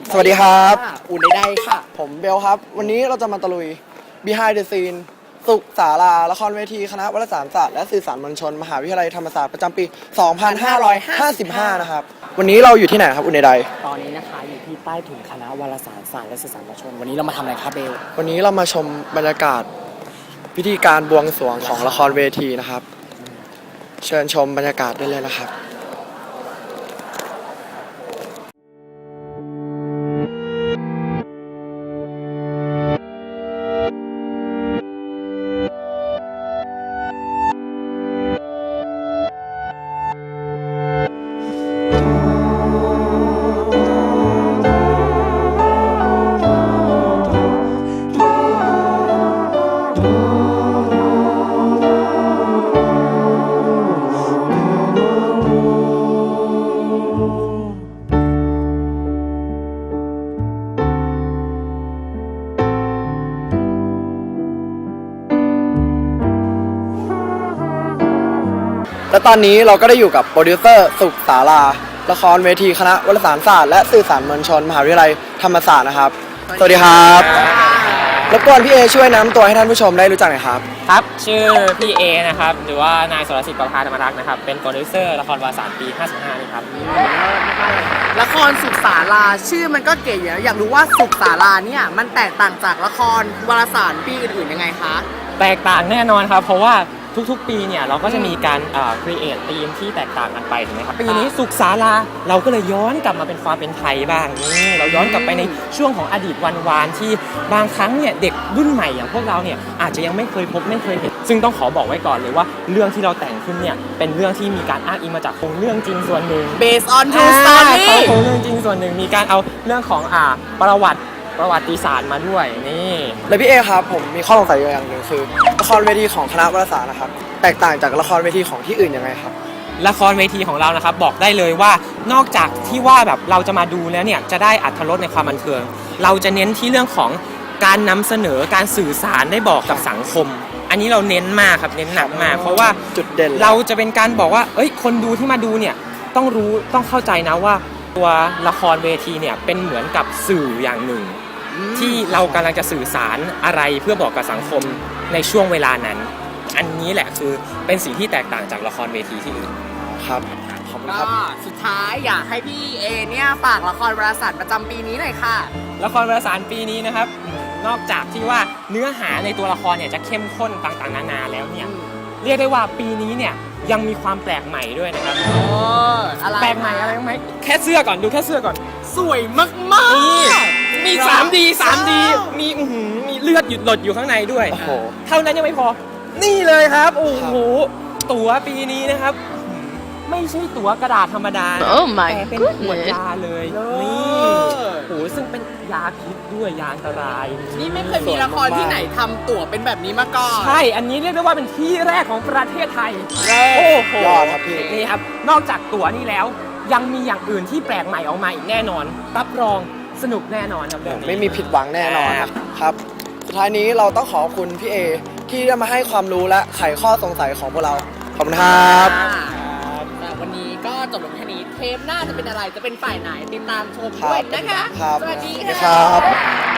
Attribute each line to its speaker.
Speaker 1: สวัสดีครับ
Speaker 2: อุ่นได้ค่ะ
Speaker 1: ผมเบลครับวันนี้เราจะมาตะลุย Behind the Scene สุขศาลาละครเวทีคณะวารสารศาสตร์และสื่อสารมวลชนมหาวิทยาลัยธรรมศาสตร์ประจำปี 2555 นะครับวันนี้เราอยู่ที่ไหนครับอุ่นใด
Speaker 2: ตอนนี้นะคะอยู่ที่ใต้ถุนคณะวารสารศาสตร์และสื่อสารมวลชนวันนี้เรามาทำอะไรครับเบล
Speaker 1: วันนี้เรามาชมบรรยากาศพิธีการบวงสรวงของละครเวทีนะครับเชิญชมบรรยากาศได้เลยนะครับและตอนนี้เราก็ได้อยู่กับโปรดิวเซอร์สุขศาลาละครเวทีคณะวารสารศาสตร์และสื่อสารมวลชนมหาวิทยาลัยธรรมศาสตร์นะครับสวัสดีครับรบกวนพี่เอช่วยแนะนำตัวให้ท่านผู้ชมได้รู้จักหน่อยครับ
Speaker 3: ครับชื่อพี่เอนะครับหรือว่านายสรสิทธิ์ประภาธรรมรักษ์นะครับเป็นโปรดิวเซอร์ละครวารสารปี 55 นี่ครับ
Speaker 2: ละครสุขศาลาชื่อมันก็เก๋อยู่อยากรู้ว่าสุขศาลาเนี่ยมันแตกต่างจากละครวารสารปีอื่นๆยังไงคะ
Speaker 3: แตกต่างแน่นอนครับเพราะว่าทุกๆปีเนี่ยเราก็จะมีการcreate ธีมที่แตกต่างกันไปถูกไหมครับปีนี้สุขศาลาเราก็เลยย้อนกลับมาเป็นความเป็นไทยบ้างนี่เราย้อนกลับไปในช่วงของอดีตวันวานที่บางครั้งเนี่ยเด็กรุ่นใหม่อย่างพวกเราเนี่ยอาจจะยังไม่เคยพบไม่เคยเห็นซึ่งต้องขอบอกไว้ก่อนเลยว่าเรื่องที่เราแต่งขึ้นเนี่ยเป็นเรื่องที่มีการอ้างอิงมาจากโครงเรื่องจริงส่วนหนึ่ง
Speaker 2: based on true story
Speaker 3: โครงเรื่องจริงส่วนหนึ่งมีการเอาเรื่องของประวัติศาสตร์มาด้วยนี่
Speaker 1: แล้วพี่เอครับผมมีข้อสงสัยอย่างหนึ่งคือละครเวทีของคณะวารสารนะครับแตกต่างจากละครเวทีของที่อื่นยังไงครับ
Speaker 3: ละครเวทีของเรานะครับบอกได้เลยว่านอกจากที่ว่าแบบเราจะมาดูแล้วเนี่ยจะได้อรรถรสในความบันเทิงเราจะเน้นที่เรื่องของการนำเสนอการสื่อสารได้บอกกับสังคมอันนี้เราเน้นมากครับเน้นหนักมากเพราะว่า
Speaker 1: จุดเด่น
Speaker 3: เราจะเป็นการบอกว่าคนดูที่มาดูเนี่ยต้องรู้ต้องเข้าใจนะว่าตัวละครเวทีเนี่ยเป็นเหมือนกับสื่ออย่างหนึ่งที่เรากำลังจะสื่อสารอะไรเพื่อบอกกับสังคมในช่วงเวลานั้นอันนี้แหละคือเป็นสิ่งที่แตกต่างจากละครเวทีที่อื่น
Speaker 1: ครับขอบคุณค
Speaker 2: ก็
Speaker 1: รับ
Speaker 2: สุดท้ายอยากให้พี่เอเนี่ยฝากละครวารสารประจำปีนี้หน่อยค่ะ
Speaker 3: ละครวารสารปีนี้นะครับนอกจากที่ว่าเนื้อหาในตัวละครเนี่ยจะเข้มข้นต่างๆนานาแล้วเนี่ยเรียกได้ว่าปีนี้เนี่ยยังมีความแปลกใหม่ด้วยนะครับแปลกใหม่อะไรไหมแค่เสื้อก่อนดูแค่เสื้อก่อน
Speaker 2: สวยมาก
Speaker 3: ๆมี 3D มีเลือดหยุดหลดอยู่ข้างในด้วยเท่านั้นยังไม่พอนี่เลยครับโอ้โหตั๋วปีนี้นะครับไม่ใช่ตั๋วกระดาษธรรมดาแต่เป็นขวดยาเลยนี่โอ้โหซึ่งเป็นยาพิษด้วยยาอันตราย
Speaker 2: นี่ไม่เคยมีละครที่ไหนทำตั๋วเป็นแบบนี้มาก่อน
Speaker 3: ใช่อันนี้เรียกได้ว่าเป็นที่แรกของประเทศไทยโอ้โห
Speaker 1: ยอดครับพี่
Speaker 3: นี่ครับนอกจากตั๋วนี่แล้วยังมีอย่างอื่นที่แปลกใหม่ออกมาอีกแน่นอนรับรองสนุกแน่นอนครับ
Speaker 1: ไม่มีผิดหวังแน่นอนครับสุดท้ายนี้เราต้องขอบคุณพี่เอที่ได้มาให้ความรู้และไขข้อสงสัยของพวกเราขอบคุณครับ
Speaker 2: วันนี้ก็จบลงแค่นี้เทปหน้าจะเป็นอะไรจะเป็นฝ่ายไหนติดตามชมด้วยนะคะ
Speaker 1: สวัสดีครับ